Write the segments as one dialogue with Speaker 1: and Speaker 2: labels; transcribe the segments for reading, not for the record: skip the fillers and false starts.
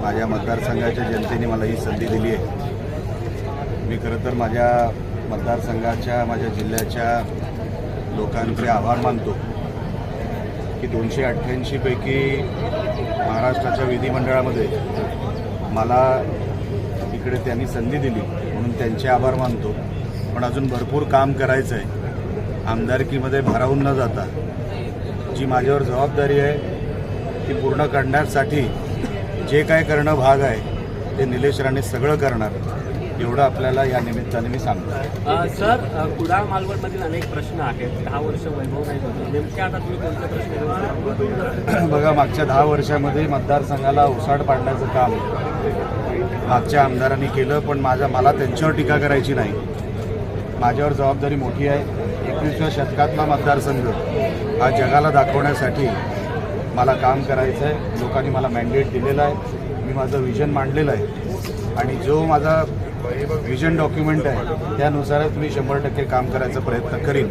Speaker 1: माझ्या मतदारसंघाच्या जनतेने मला ही संधी दिली आहे. मी खरं तर माझ्या मतदारसंघाच्या, माझ्या जिल्ह्याच्या लोकांचे आभार मानतो की 288 पैकी महाराष्ट्राच्या विधिमंडळामध्ये मला इकडे त्यांनी संधी दिली म्हणून त्यांचे आभार मानतो. पण अजून भरपूर काम करायचं आहे. आमदारकीमध्ये भारावून न जाता जी माझ्यावर जबाबदारी आहे ती पूर्ण करण्यासाठी जे काय करणं भाग आहे ते निलेश राणे सगळं करणार, एवढं आपल्याला या निमित्ताने मी सांगतो.
Speaker 2: सर, कुडाळ मालवणमधील अनेक प्रश्न आहेत. 10 वर्ष वैभव नाही बदलले, नेमके आता तुम्ही कोणते प्रश्न
Speaker 1: बघा, मागच्या 10 वर्षामध्ये मतदारसंघाला उसाड पाडण्याचं काम मागच्या आमदारांनी केलं, पण मला त्यांच्यावर टीका करायची नाही. माझ्यावर जबाबदारी मोठी आहे. 21व्या शतकातला मतदारसंघ हा जगाला दाखवण्यासाठी मला काम करायचं आहे. लोकांनी मला मॅन्डेट दिलेलं आहे. मी माझं विजन मांडलेलं आहे आणि जो माझा विजन डॉक्युमेंट आहे त्यानुसारच मी 100% काम करायचा प्रयत्न करीन.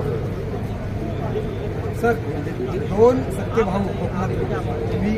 Speaker 3: सर, 2 सख्खे भाऊ कोकणातून तुम्ही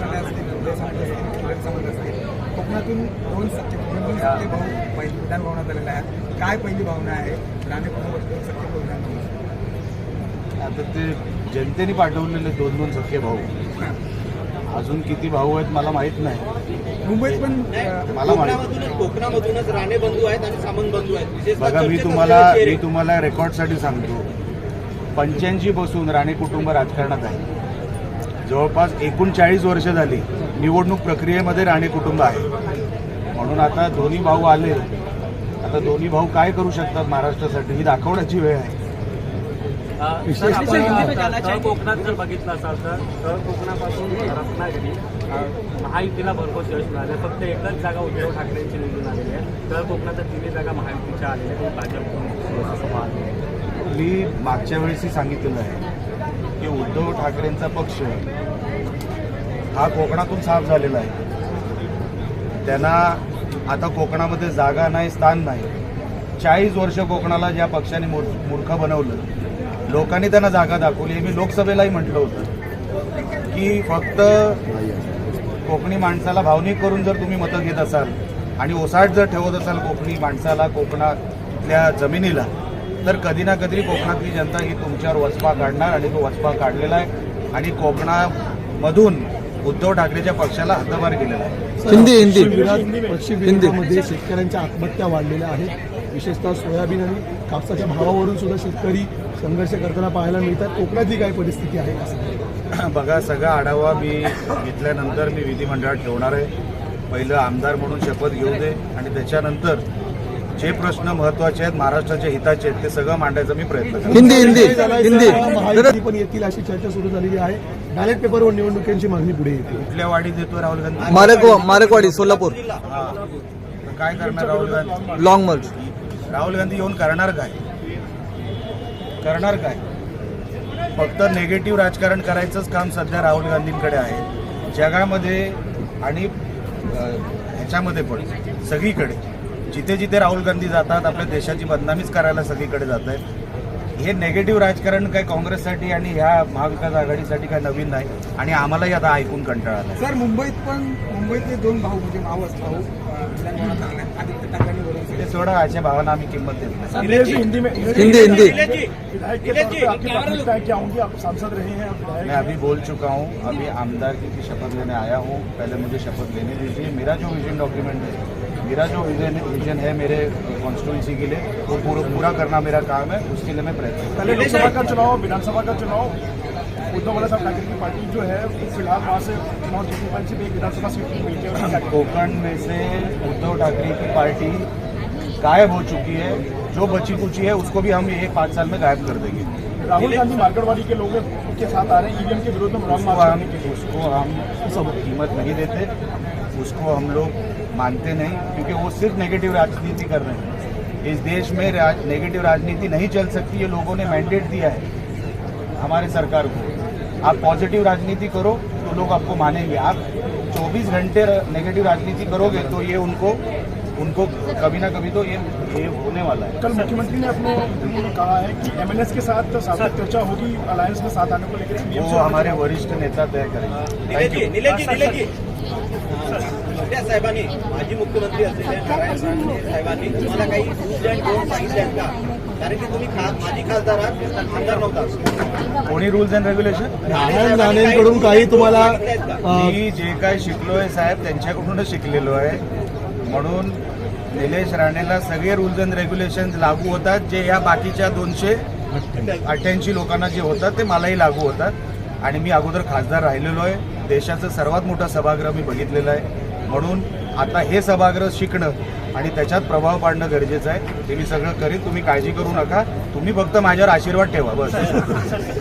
Speaker 3: कोकणातून 2 सख्खे भाऊ विधान भवनात आलेले आहेत. काय पहिली भावना आहे राणे कुटुंबातून सख्खे भाऊ विधान भवन?
Speaker 1: आता ते जनतेने पाठवलेले 2 सख्खे भाऊ, अजून किती भाऊ आहेत मला माहीत नाही.
Speaker 3: मुंबईत पण
Speaker 1: मला माहिती
Speaker 4: कोकणामधूनच राणे बंधू आहेत आणि सामंत बंधू आहेत.
Speaker 1: बघा, मी तुम्हाला रेकॉर्डसाठी सांगतो, 85 पासून राणे कुटुंब राजकारणात आहे. जवळपास 39 वर्ष झाली निवडणूक प्रक्रियेमध्ये राणे कुटुंब आहे. म्हणून आता दोन्ही भाऊ आले, आता दोन्ही भाऊ काय करू शकतात महाराष्ट्रासाठी ही दाखवण्याची वेळ आहे.
Speaker 2: तळ कोकणात जर बघितलं असाल तर तळ कोकणापासून रत्नागिरी महायुतीला भरपूर यश मिळाले. फक्त एकच जागा उद्धव ठाकरेंची निवडून आलेली आहे. तळ कोकणाच्या 3 जागा महायुतीच्या आलेल्या आहेत. भाजप
Speaker 1: मी मागच्या वेळेसही सांगितलेलं आहे की उद्धव ठाकरेंचा पक्ष हा कोकणातून साफ झालेला आहे. त्यांना आता कोकणामध्ये जागा नाही, स्थान नाही. 40 वर्ष कोकणाला ज्या पक्षाने मूर्ख बनवलं, लोकांनी त्यांना जागा दाखवली. मी लोकसभेलाही म्हटलं होतं की फक्त कोकणी माणसाला भावनिक करून जर तुम्ही मतं घेत असाल आणि ओसाड जर ठेवत असाल कोकणी माणसाला, कोकणातल्या जमिनीला, तर कधी ना कधी कोकणातली जनता ही तुमच्यावर वचपा काढणार आणि तो वचपा काढलेला आहे आणि कोकणामधून उद्धव ठाकरेच्या पक्षाला हद्दपार केलेला आहे.
Speaker 3: पश्चिम विदर्भामध्ये शेतकऱ्यांच्या आत्महत्या वाढलेल्या आहेत. विशेषतः सोयाबीन आणि कापसाच्या भावावरून सुद्धा शेतकरी संघर्ष करताना पाहायला मिळतात. कोकणातली काय परिस्थिती आहे असं
Speaker 1: बघा, सगळा आढावा मी घेतल्यानंतर मी विधिमंडळात ठेवणार आहे. पहिलं आमदार म्हणून शपथ घेऊ दे आणि त्याच्यानंतर जे प्रश्न महत्त्वाचे आहेत, महाराष्ट्राच्या हिताचे आहेत, ते सगळं मांडायचा मी प्रयत्न
Speaker 3: हिंदी पण येतील अशी चर्चा सुरू झालेली आहे. बॅलेट पेपरवर निवडणुकीची मागणी पुढे येते.
Speaker 1: कुठल्या वाढीत देतो राहुल गांधी?
Speaker 5: मारेकवाडी, सोलापूर.
Speaker 1: काय करणार राहुल गांधी?
Speaker 5: Long march.
Speaker 1: राहुल गांधी येऊन करणार काय? फक्त नेगेटिव्ह राजकारण करायचंच काम सध्या राहुल गांधींकडे आहे. जगामध्ये आणि ह्याच्यामध्ये पण सगळीकडे जिथे जिथे राहुल गांधी जातात आपल्या देशाची बदनामीच करायला सगळीकडे जात आहेत. हे नेगेटिव्ह राजकारण काय काँग्रेससाठी आणि ह्या महाविकास आघाडीसाठी काय नवीन नाही आणि आम्हालाही आता ऐकून कंटाळा आला.
Speaker 3: सर, मुंबईतले 2 भाऊ म्हणजे मावस भाऊ आदित्य ठाकरे
Speaker 1: ते सोडा, अशा भावांना आम्ही किंमत देत नाही.
Speaker 5: हिंदी
Speaker 1: मैं अभी बोल चुका हूँ, अभी आमदारकी की शपथ लेने आया हूँ. पहले मुझे शपथ लेने दीजिए. मेरा जो विजन डॉक्यूमेंट है, मेरा जो विजन है मेरे कॉन्स्टिट्यूंसी के लिए, वो पूरा करना मेरा काम है. उसके लिए मैं प्रयत्न
Speaker 6: पहले लोकसभा का चुनाव, विधानसभा का चुनाव, उद्धव बाला साहब ठाकरे की पार्टी जो है फिलहाल वहाँ से चुनाव जीतने वाली सिर्फ एक विधानसभा सीट मिलती है.
Speaker 1: कोकण में से उद्धव ठाकरे की पार्टी गायब हो चुकी है. जो बची कुची है उसको भी हम ये 5 साल में गायब कर देंगे.
Speaker 6: राहुल गांधी मार्केटवादी के लोगों के साथ आ रहे हैं ईवीएम के विरोध में
Speaker 1: उसको हम सब कीमत नहीं देते, उसको हम लोग मानते नहीं, क्योंकि वो सिर्फ नेगेटिव राजनीति कर रहे हैं. इस देश में नेगेटिव राजनीति नहीं चल सकती. ये लोगों ने मैंडेट दिया है हमारे सरकार को. आप पॉजिटिव राजनीति करो तो लोग आपको मानेंगे. आप 24 घंटे नेगेटिव राजनीति करोगे तो ये उनको कभी ना कभी तो ये होने वाला है.
Speaker 6: कल मुख्यमंत्री ने अपने में कहा है कि एमएनएस के साथ सार्थक चर्चा होगी अलायंस में साथ आने को लेकर.
Speaker 1: वो हमारे वरिष्ठ नेता तय करेंगे.
Speaker 4: नीलेश जी शिंदे साहेबांनी माजी मुख्यमंत्री असलेल्या नारायण राणे साहेबांनी तुम्हाला काही रूल्स अँड डोंट सांगितले आहेत का? कारण की तुम्ही माजी खासदार आहात, आमदार नव्हता.
Speaker 1: कोणी रूल्स अँड रेग्युलेशन?
Speaker 3: नारायण राणेंकडून काही तुम्हाला
Speaker 1: मी जे काय शिकलोय साहेब त्यांच्याकडूनच शिकलेलो आहे. म्हणून निलेश राणेला सगळे रूल्स अँड रेग्युलेशन लागू होतात, जे या बाकीच्या 288 लोकांना जे होतात ते मलाही लागू होतात. आणि मी अगोदर खासदार राहिलेलो आहे. देशाचं सर्वात मोठं सभागृह मी बघितलेलं आहे. म्हणून आता हे सभागृह शिकणं आणि त्याच्यात प्रभाव पाडणं गरजेचं आहे. ते मी सगळं करीन, तुम्ही काळजी करू नका. तुम्ही फक्त माझ्यावर आशीर्वाद ठेवा बस.